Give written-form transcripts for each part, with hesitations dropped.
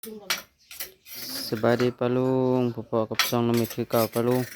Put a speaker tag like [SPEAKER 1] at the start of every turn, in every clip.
[SPEAKER 1] สบายดีปะลุงพอๆกับซองน้ำมิตรคือเก่าปะลุง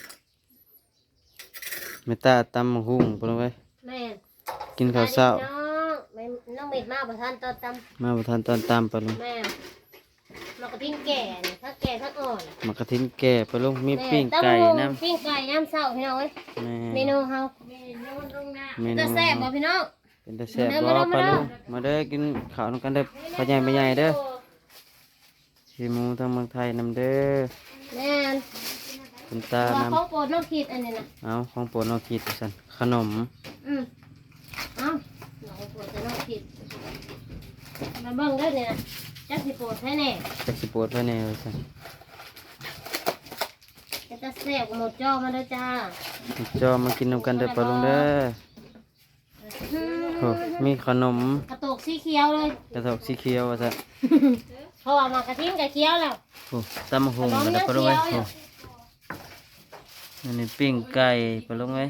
[SPEAKER 1] เมตาตำมะฮุ่งปะลุงเอ้ย
[SPEAKER 2] แม่
[SPEAKER 1] กินข้าวเช้า
[SPEAKER 2] น้องแม่น้องเม็ดมาประทานตอนต
[SPEAKER 1] มาประทานตอนตำปะลุง
[SPEAKER 2] ำแม่มากระทิ้งแก่นี่ทั้งแก่ทั้งอ่อน
[SPEAKER 1] มากระทินแก่ปะลุงมี
[SPEAKER 2] แม่
[SPEAKER 1] ปิ้งไก่น้ำ
[SPEAKER 2] ปิ้งไก่น้ำเศร้าพี่น้องเอ้ยเม
[SPEAKER 1] แม่
[SPEAKER 2] นูเฮาเมนูแซ่บบ่พี่น้อง
[SPEAKER 1] เป็นตาแซ่บบ่ปะลุงมาเด้อกินข้าวนำกันเด้อพ่อใหญ่แม่ใหญ่เด้อชีหมูทางเมืองไทยนำเด้อ
[SPEAKER 2] แม่
[SPEAKER 1] คุณตา
[SPEAKER 2] ว่าน
[SPEAKER 1] ำ
[SPEAKER 2] เขาโปรดน้องคิดอันนี้นะ
[SPEAKER 1] เอาของโปรดน้องคิดสั่นขนม
[SPEAKER 2] เอ้าน้องโปรดจะน้องคิดมาเบิ่งได้เนี่ยจักสิโปรดให้แน่
[SPEAKER 1] จักสิโปรดไว้แน่ว่าซั่น
[SPEAKER 2] จะแซ่บหมดจอมาเด้อจ้า
[SPEAKER 1] จอมากินนำกันเด้อปะลุงเด้อโอ้มีขนม
[SPEAKER 2] กระโตกสีเขียวเลย
[SPEAKER 1] กระทอกสีเขียวว่าซั่น
[SPEAKER 2] เพราะว่ามากระทิ้งกับเขียวแล้ว
[SPEAKER 1] โอ้ตำมะฮุ่งมาเด้อปะลุงเอ้ยโอ้อันนี้ปิ้งไก่ปะลุงเอ้ย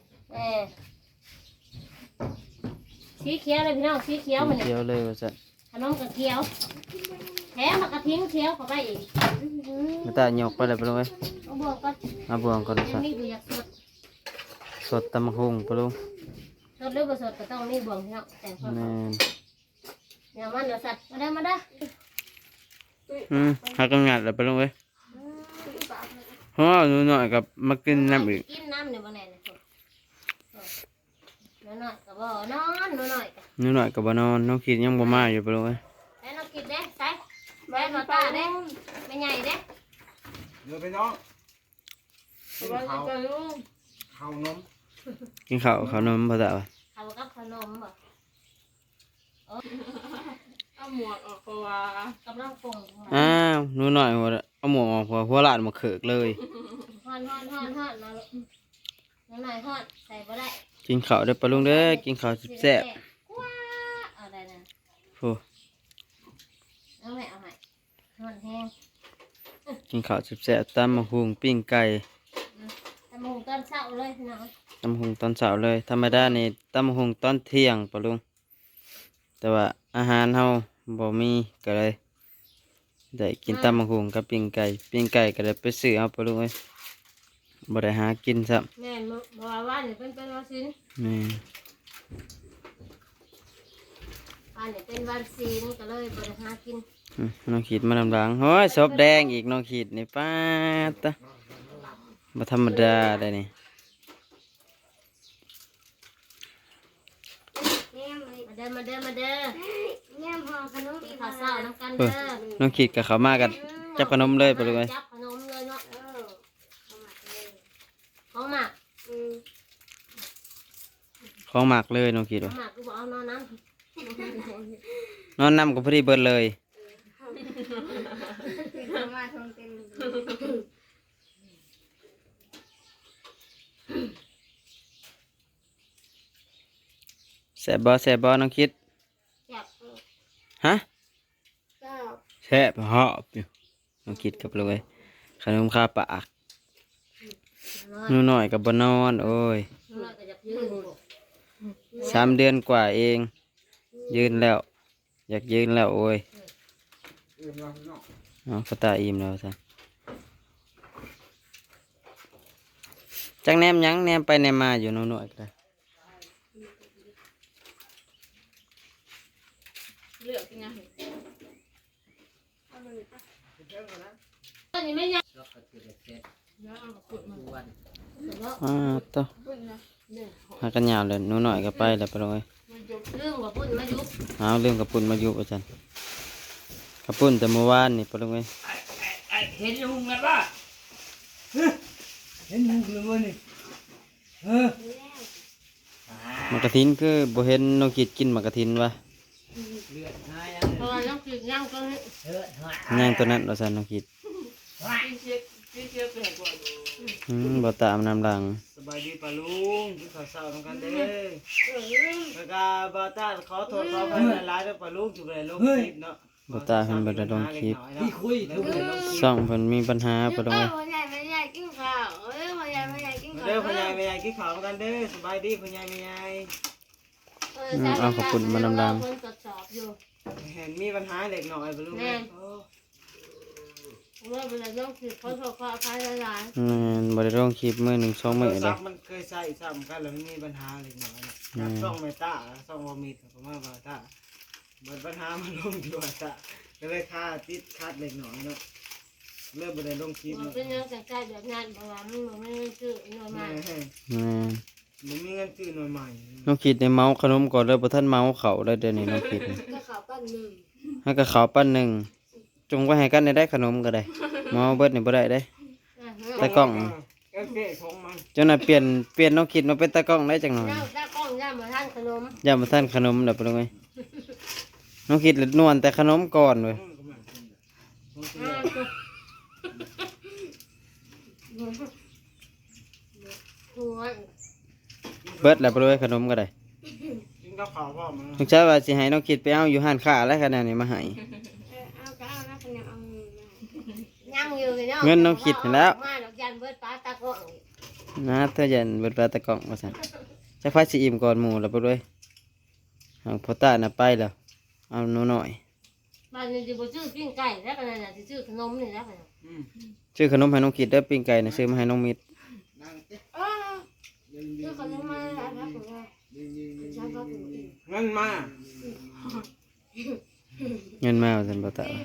[SPEAKER 2] สีเขียวเลยพี่น้องสีเขียวมัน
[SPEAKER 1] เขียวเลยว่าซั่น
[SPEAKER 2] ขนมกับเขียวแถมมากระทิ้งเขียวเข้าไปอีก
[SPEAKER 1] มาตาหยกไปเลยปะลุงเอ้ย
[SPEAKER 2] เอาบวกก็
[SPEAKER 1] มาบวงก่อน
[SPEAKER 2] ยั
[SPEAKER 1] ซั่
[SPEAKER 2] ง
[SPEAKER 1] น
[SPEAKER 2] มีอยู่อยากสด
[SPEAKER 1] สดตำมะฮุ่งปะลุง
[SPEAKER 2] สดหรือบ่สดก็ต้องมีบวงพี่น้องแต่พอ
[SPEAKER 1] แม่น
[SPEAKER 2] เดี๋ยวมันเดี๋ยวสัตว์มาได้
[SPEAKER 1] หักกงัดแล้วปะลุงเอ้ยฮอหนูน้อยกับมากินน้ำอีก
[SPEAKER 2] กินน้ำเนี่ยบ่แน่เลยหน่อยก็บ่นอนหน่อย
[SPEAKER 1] หนูน้อยกับบ่นอนน้องคิดยังบ่มาอยู่ปะลุงเอ้ย
[SPEAKER 2] แล้วน้องกินเด้ใส่แม่มาตาเด้ไม่ใหญ่เด้
[SPEAKER 3] เดี๋ยวไปน้องกินข้าวข้าวนม
[SPEAKER 1] กินข้าวข้าวนมบ่ตาว่ะ
[SPEAKER 2] เอากับขนมบ่
[SPEAKER 4] เอาหมวกออกเพราะว่าก
[SPEAKER 2] ำลังปรุง
[SPEAKER 1] อ้าวหนูน้อยเอาหมวกออกหัวลาดมาเขิกเลย
[SPEAKER 2] ฮอนมาลูกน้อยฮอนใส่บ่ได้
[SPEAKER 1] กินข้าวเด้อปะลุงเด้อกินข้าวแซ่บ
[SPEAKER 2] ว้าเอาได้นะ
[SPEAKER 1] ๆโอ้
[SPEAKER 2] เอาให้ฮอนแห้ง
[SPEAKER 1] กินข้าวแซ่บๆตำมะฮุ่งปิ้งไก่
[SPEAKER 2] ตำหูตอนเช้าเลยพี่น้อง
[SPEAKER 1] ตำมะฮุ่งตอนเช้าเลยธรรมดานี่ตำมะฮุ่งตอนเที่ยงปะลุงแต่ว่าอาหารเฮาบ่มีก็เลยได้กินตำมะฮุ่งกับปิ้งไก่ก็เลยไปซื้อเอาปะลุงเอ้ยบ่ได้หากินซ้ำ
[SPEAKER 2] แม่นบ่ว่านี่เป็นวันศีล
[SPEAKER 1] แม่น
[SPEAKER 2] วันนี้เป็นวันศีลก็เลยบ่ได้หากิน
[SPEAKER 1] น้องขีดมาลำหลังโอ้ยศพแดงอีกน้องขีดนี่ป้าดตะบ่ธรรมดาได้นี่
[SPEAKER 2] มาเด้อแง่มห่อขนมกินข้าวเช้าน้ำกัน
[SPEAKER 1] เอ
[SPEAKER 2] เด้
[SPEAKER 1] อ
[SPEAKER 2] อ
[SPEAKER 1] น้องขีดกับเขามากันจับขนมเลยปะลุงเอ้ย
[SPEAKER 2] จับขนมเลยเนาะของหมัก
[SPEAKER 1] ของหมักเลยน้องขีด
[SPEAKER 2] ของ
[SPEAKER 1] ว่า
[SPEAKER 2] หมักกูบอกเอานอนน้
[SPEAKER 1] นอนนำก็พอดีเบิดเลย
[SPEAKER 4] มาทงเต็ม
[SPEAKER 1] แซ่บบ่น้องคิด
[SPEAKER 2] ำจับ
[SPEAKER 1] ฮะ
[SPEAKER 4] ก็
[SPEAKER 1] แซ่บหอบอยู่น้องคิดกับลุงเอ้ยขนมคาปาก
[SPEAKER 2] นอน
[SPEAKER 1] หนูน้อยกับบ่นอนโอ้ย
[SPEAKER 2] นอนก็จะยืน
[SPEAKER 1] 3 เดือนกว่าเอง ยืนแล้ว อยากยืนแล้วโอ้ย
[SPEAKER 3] อื่นมาพี่น้อง
[SPEAKER 1] เอาก็ตาอิ่มแล้วซะจังแนมหยังแนมไปแนมมาอยู่หนูน้อยก็ได้
[SPEAKER 4] เลือกยังไง
[SPEAKER 2] ตอนนี้ไม่ยัง
[SPEAKER 1] อ่าต่อหากันยาวเลยหนูน้อยก็ไปแล้วไปลงเลย
[SPEAKER 2] เรื่องว่าพุ่นมายุบ
[SPEAKER 1] เอาเรื่องกระปุ่นมาอยู่อาจารย์กระปุ่นแต่เมื่อวานนี่ไปลงเลย
[SPEAKER 3] เห็นลุงกันป่ะเห็นลุงเลยมั้ยนี่
[SPEAKER 1] มากระทินคือบ่เห็นน้องกิดกินมากระทินวะ
[SPEAKER 3] เลือดหาย
[SPEAKER 2] เพราะว่าน้องกินย่างก็
[SPEAKER 3] เลือดหาย
[SPEAKER 1] ย่างตัวนั้นเราสั่นน้องกิด
[SPEAKER 4] พี่เชียร์เป็นก่อน
[SPEAKER 1] บ่ตามน้ำหลัง
[SPEAKER 3] สบายดีป่ะลุงกินข้าวเช้าทำกันเด้อแล้วก็บ่าวตาขอโทษขออภัยหลายๆเด้อป่ะลุงจุดเลยลงคลิปเนาะ
[SPEAKER 1] บ่ตาเพิ่นบ่ได้ลงคลิป
[SPEAKER 3] พี่คุยทุกเลยลงคลิป
[SPEAKER 1] ช่องเพิ่นมีปัญหาไปลงเลย
[SPEAKER 4] พ่อใหญ่ไม่ใหญ่กินข้าวพ่อใหญ่ไม่ใหญ่กินข้าว
[SPEAKER 3] เด้อพ่อใหญ่แม่ใหญ่กินข้าวกันเด้อสบายดีพ่อใหญ่แม่ใหญ่
[SPEAKER 2] คนตรวจสอบอยู่
[SPEAKER 3] เห็นมีปัญหาเล็กน้อยป่ะลุง
[SPEAKER 2] แม่
[SPEAKER 3] โอ้
[SPEAKER 2] เมื่อเวลาต้องคือเขาโทรขออภัยหลาย
[SPEAKER 1] บ่ได้ลงคลิปมื้อหนึ่งสองมื้อ
[SPEAKER 3] โทร
[SPEAKER 1] เล
[SPEAKER 3] ศั
[SPEAKER 1] ย
[SPEAKER 3] พท์มันเคยใส่ซ้ำกันแล้วมันมีปัญหาเล็กน้อยนะซ่องเมตาซ่องวอมิดผมว่าเมตามันปัญหามันลงที่ว่าตาก็เลยค่าติดคัดเล็กน้อยเนาะเริ่มไปได้ลงคลิป
[SPEAKER 2] ๆมันเป็นเรื่องใจแบบนั้นเพราะว่ามันไม่ได้ชื่อหน่วย
[SPEAKER 3] แม่
[SPEAKER 2] มา
[SPEAKER 3] มันมีเงินซื้อหน่อยใหม่
[SPEAKER 1] น้องคิดในเมาขนมก่อนเลยบ่ทันเมาเขาเลยเดี๋ยวนี้น้องคิด
[SPEAKER 4] ก็ขาวปั้นหนึ่ง
[SPEAKER 1] ให้กับเขาวปั้นหนึ่งจงไว้ให้กันได้ขนมก็ได้เมาเบิดนี่บ่ได้เด้ ตากล้อง
[SPEAKER 3] เอฟเฟ่ของมัน
[SPEAKER 1] เจ้าน่ะเปลี่ยนน้องคิดมาเป็นตากล้องได้จังหน่อย
[SPEAKER 2] ย่าตากล้องย่ามาทานขนม
[SPEAKER 1] อย่ามาท่านขนมเด้อปะลุงเอ้ยน้องคิดเลยนวลแต่ขนมก่อนเว้ย
[SPEAKER 2] หัว
[SPEAKER 1] เบิดแล้วปะลุงเอ้ยขนมก็ได้
[SPEAKER 3] กินกับข้าวพ่อมัน
[SPEAKER 1] ลูกชายว่าสิให้น้องคิดไปเอาอยู่ห้านค้าแล้วขนาดนี้มาให้
[SPEAKER 4] เอาก็เอานะคนยังเอา
[SPEAKER 2] ยังอยู่เลยเนาะ
[SPEAKER 1] เงินน้องคิดเห็นแล้ว
[SPEAKER 2] มาดอกยันเบิดปลาตากล้อง
[SPEAKER 1] นะเธอยันเบิดปลาตะกล้องว่าซั่นจักไผสิอิ่มก่อนหมู่แล้วปะลุงเอ้ยหางพ่อตาน่ะไปแล้วเอาหนูน้อย
[SPEAKER 2] บ้านนี้จะบ่ซื้อปิ้งไก่แล้วกันน่ะสิซื้อขนมนี่แล้วกัน
[SPEAKER 1] ซื้อขนมให้น้องคิดเด้อปิ้งไก่น่ะซื้อมาให้น้องมิตร
[SPEAKER 4] คือคนยังมาแล้วนะผมว่าใช่ก็ถึงอีก
[SPEAKER 3] เงินมา
[SPEAKER 1] เงินมาว่าซั่นพ่อตา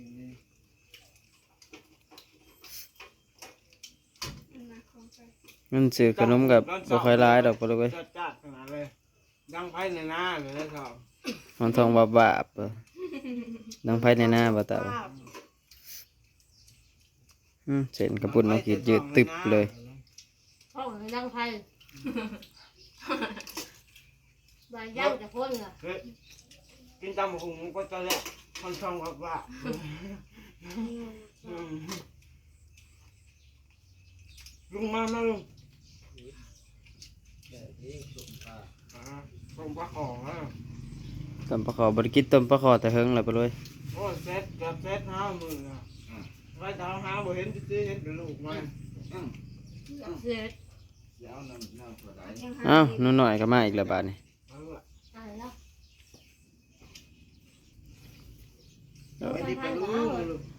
[SPEAKER 1] เงินซื้อขนมกับบ่ค่อยหลายดอกปะลุงเอ้ย
[SPEAKER 3] จัดขนาดเลยดังไพ่ในหน้าเลยนะครับ
[SPEAKER 1] มันทองบาบาบเออดังไผในหน้าบ่ตาบ่เส้นกระปุ่นน้องคิดยืดตึบเลย
[SPEAKER 2] ห้องให้ดังไฟบ้านย่างจะพ่นล่ะ
[SPEAKER 3] เฮ้ยกินตำหุงก็จะแหละคนช่องกับว่าลุงมาลุงต้มปลาขอ
[SPEAKER 1] ต้มปลาขอบ่ได้กินต้มปลาขอแต่เฮิงแล้วปะเลย
[SPEAKER 3] โอ้เซ็ตกับเซ็ตห้ามืออ่ะไว้ดาวห้าบ่เห็นซื้อเห็นเป็นลูกมัน
[SPEAKER 2] เสร็จ
[SPEAKER 1] อ้าวหนูน้อยก็มาอีกแล้วบาดนี้
[SPEAKER 2] ตายแล้ว
[SPEAKER 3] ไม่ได้ไปลูก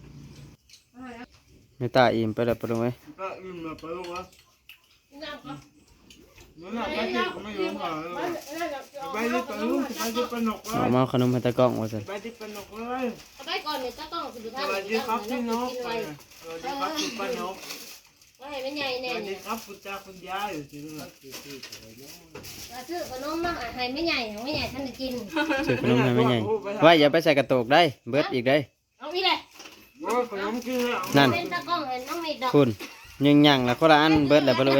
[SPEAKER 1] แม่ตาอิ่มไปแล้วปะเลย
[SPEAKER 3] ก็อิ่มแล้วไปลูกวะ
[SPEAKER 2] น้ำก็
[SPEAKER 3] นั่นแหละไปที่ก็ไม่ยอมหาไปที่ไปลูกไปที่ปนกเล
[SPEAKER 1] เอา
[SPEAKER 3] ย
[SPEAKER 1] มาเอาขนมให้ตากล้องว่าซั่น
[SPEAKER 3] ไปที่ปนกเลย
[SPEAKER 2] เอาไปก่อนเนี่ยจะต้องสุด
[SPEAKER 3] ส
[SPEAKER 2] ท้าย
[SPEAKER 3] วัสดีครับพี่น้องสวัสดีครับคุณป้านก
[SPEAKER 2] ว่าให้ไม่ใหญ่
[SPEAKER 3] ส
[SPEAKER 2] แน่
[SPEAKER 3] วัสดี
[SPEAKER 2] เนี่ย
[SPEAKER 3] ครับคุณตาคุณยายอยู่ที่นู่น
[SPEAKER 2] ซื้อขนมมาให้ไม่ใหญ่ไม่ใหญ่ท่านจะกิน
[SPEAKER 1] ซื้อขนมให้แม่ใหญ่ว่าอย่าไปใส่กระโตกได้ เบิดอีกได้
[SPEAKER 2] เอาอีเลย
[SPEAKER 3] โอ้ขนมกินแล้ว
[SPEAKER 1] นั่น
[SPEAKER 2] เป็นตะกล้องเห็นน้องมีดอก
[SPEAKER 1] คุณยังยังละคนละอันเบิดแล้วปะเลย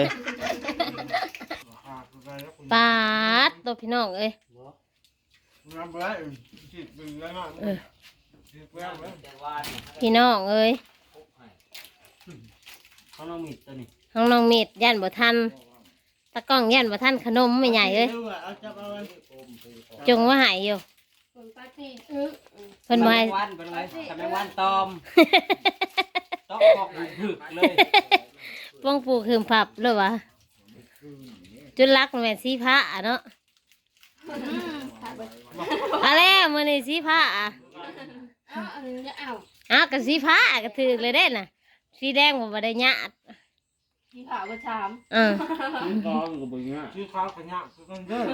[SPEAKER 2] ปาดตัวพี่น้องเอ้ย
[SPEAKER 3] น้ำเบื่อจิตเป็นแล้วนะจิตเบื่อเลย
[SPEAKER 2] พี่น้องเอ้ย
[SPEAKER 1] เขาน้องมิดตัวนี้
[SPEAKER 2] ห้องน้องมีดย่านบ่ทันตะกล้องย่านบ่ทันขนมไม่ใหญ่เอ้ย
[SPEAKER 3] เอาจับเอา
[SPEAKER 2] จงว่าหายอยู่เพิ่นบ่ให้
[SPEAKER 1] วันเป็นไรทำไมวันตอมต้องบอกถึกเลย
[SPEAKER 2] ป้องปลูกคืมผับเลยวะจุดรักแม่นสีผ้าเนาะอะไรมื้อนี้สีผ้าอ้าวก็สีผ้าก็ถือเลยเด้น่ะสีแดงบ่ได้ญาติ
[SPEAKER 4] ที่ขาวประชาม
[SPEAKER 1] ตอมกับบึงอ่ะ
[SPEAKER 3] ชื่อข้าวขยะคือกันเด้อ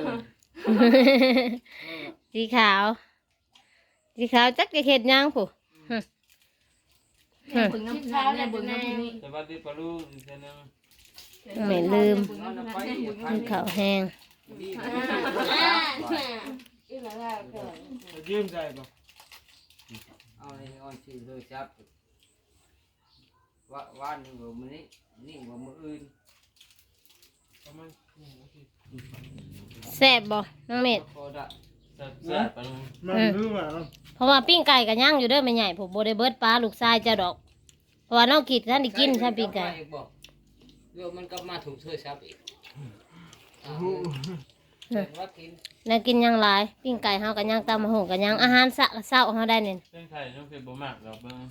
[SPEAKER 2] สีขาวสีขาวจักจะเฮ็ดหยังผู้
[SPEAKER 4] บึงน้ำข้าวเนี่ยบึงน้ำนี่
[SPEAKER 1] สวัสดีปะลูกอีกนึง
[SPEAKER 2] ไม่ลืม
[SPEAKER 4] บึงน้ำนี่บึง
[SPEAKER 2] คือข้าวแห้ง
[SPEAKER 4] อีหล่ะเกิด
[SPEAKER 3] ยืมใจป่ะ
[SPEAKER 5] เอาในออนซีเลยจับว่าหนึ่งมือนี้นี่มืออื่น
[SPEAKER 3] ประมาณ
[SPEAKER 2] แซ่บบ่น้องเม็ด
[SPEAKER 5] พอได้
[SPEAKER 1] แซ่บปะลูก
[SPEAKER 3] มันรู้ว่า
[SPEAKER 2] เพราะว่าปิ้งไก่ก็ย่างอยู่เด้อแม่ใหญ่ผมบ่ได้เบิดปลาลูกชายเจ้าดอกเพราะว่าน้องกิดท่านได้กินใช่ปิ้งไก่
[SPEAKER 5] บอกเดี๋ยวมันก็มาถูกเธอซับอีกว่ากิน
[SPEAKER 2] แล้วกินหยังหลายปิ้งไก่เฮาก็ย่างตำมะฮุงก็ย่างอาหารเช้าเฮาได้นี่
[SPEAKER 1] เส้นไข่ต้องเป็นบ่มากดอกเบิ่ง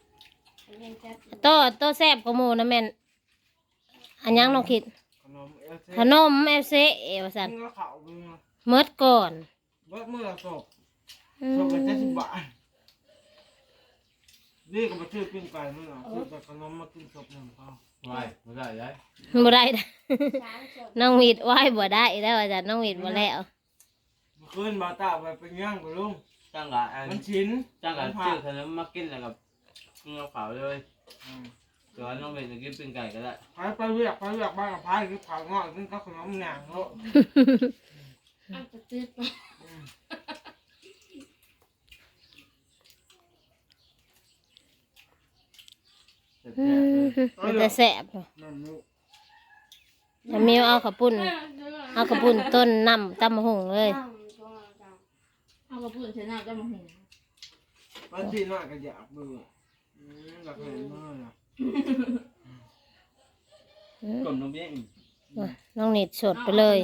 [SPEAKER 2] โตแซ่บกว่าหมู่นะแม่นอันยังน้องคิด
[SPEAKER 3] ขนมเอฟซี
[SPEAKER 2] ขนม FC ว่าซั่น
[SPEAKER 3] กินก็ข้าวมึง
[SPEAKER 2] เมิดก่อน
[SPEAKER 3] เบิดมือละศพ
[SPEAKER 2] อื
[SPEAKER 3] ศพ
[SPEAKER 2] ม
[SPEAKER 3] เป็น70 บาทนี่ก็มาซื้อปิ้งไก่มื้อน่ะซื้อแต่ขนมมากินศพหนึ่งพอ
[SPEAKER 5] ไม่ได้ได้
[SPEAKER 2] บ่ได้นะ
[SPEAKER 4] สามศพ
[SPEAKER 2] น้องมีดไหว้บ่ได้แล้วอาจารย์น้องมีดบ่แล้ว
[SPEAKER 3] เมื่อคืนบ่าวตาไปเป็นย่างกับลุง
[SPEAKER 1] จ้างกะอัน
[SPEAKER 3] มันชิ้น
[SPEAKER 1] จ้างกะ
[SPEAKER 3] มันผั
[SPEAKER 1] ซื้อก ขนมมากินแล้วกับกินกับข้าวเลย
[SPEAKER 3] อืม
[SPEAKER 1] แต่ว่าน้องเบนจะกินปิ้งไก่ก็ได้
[SPEAKER 3] ไปเรียกบ้านกับพายคือผักงอกกินกับขนมหนังโล
[SPEAKER 4] อันจะติด
[SPEAKER 1] แซ่บๆเลย
[SPEAKER 2] มันจะแซ่บ
[SPEAKER 3] นั่นลูก
[SPEAKER 2] แล้วมิวเอาข้าวปุ้นเอาข้าวปุ้นต้นน้ำตำบักหุ่งเลย
[SPEAKER 4] เอากระปุกชนะจะมาเห็น
[SPEAKER 3] บางทีน่าก็อยากเบื่ออยากเห็นมือน่ะ
[SPEAKER 1] กลมน้องเบี้ยอีก
[SPEAKER 2] น้องนิดสดไปเลย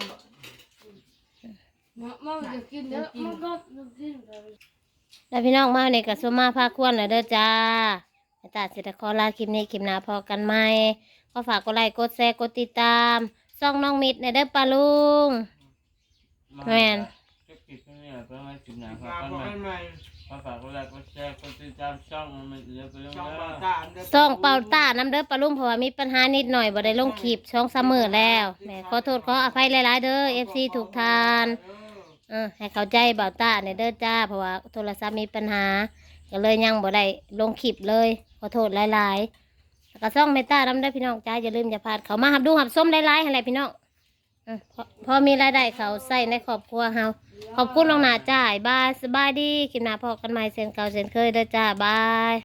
[SPEAKER 4] มันจะกินเยอะมันก็กินเลย
[SPEAKER 2] แล้วพี่น้องมาในกระสวมาภาคควรเลยเด้อจ้าไอ้ตาเสร็จขอลาคลิปนี้คลิปหน้าพอกันไหมก็ฝากกดไลค์กดแชร์กดติดตามซ่องน้องมิดในเด้อปลาลุง แม่น
[SPEAKER 1] เก็บกินนี่แหละเพื่อให้กินหนาครั
[SPEAKER 3] มา
[SPEAKER 1] บ
[SPEAKER 3] บอกให้ใหม่
[SPEAKER 1] ก็ฝากกดไลค์กดแชร์กดติดตามช่องมันเยอะไปเรื่อย
[SPEAKER 3] ช่อง
[SPEAKER 1] ๆ
[SPEAKER 3] บ่าวตาอันเดิม
[SPEAKER 2] ซ่องเป่าต้าน้ำเด้อปลาลุงเพราะว่ามีปัญหานิดหน่อยบ่ได้ลงคลิปช่องเสมอแล้วแหม่ขอโทษขออภัยหลายๆเด้อ FC ถูกทานให้เข้าใจเบาต้าในเด้อจ้าเพราะว่าโทรศัพท์มีปัญหาก็เลยยังบ่ได้ลงคลิปเลยขอโทษหลายๆแล้วก็ซ่องเมตตาน้ำเด้อพี่น้องจ้าอย่าลืมอย่าพลาดเขามาหับดูหับส้มหลายๆให้แหละพี่น้องพอมีรายได้เขาใส่ในครอบครัวเฮาขอบคุณลวงหน้าจ้าบายสบายดีคลิปหน้าพอกันใหม่เซนเก่าเซนเคยเด้อจ้าบาย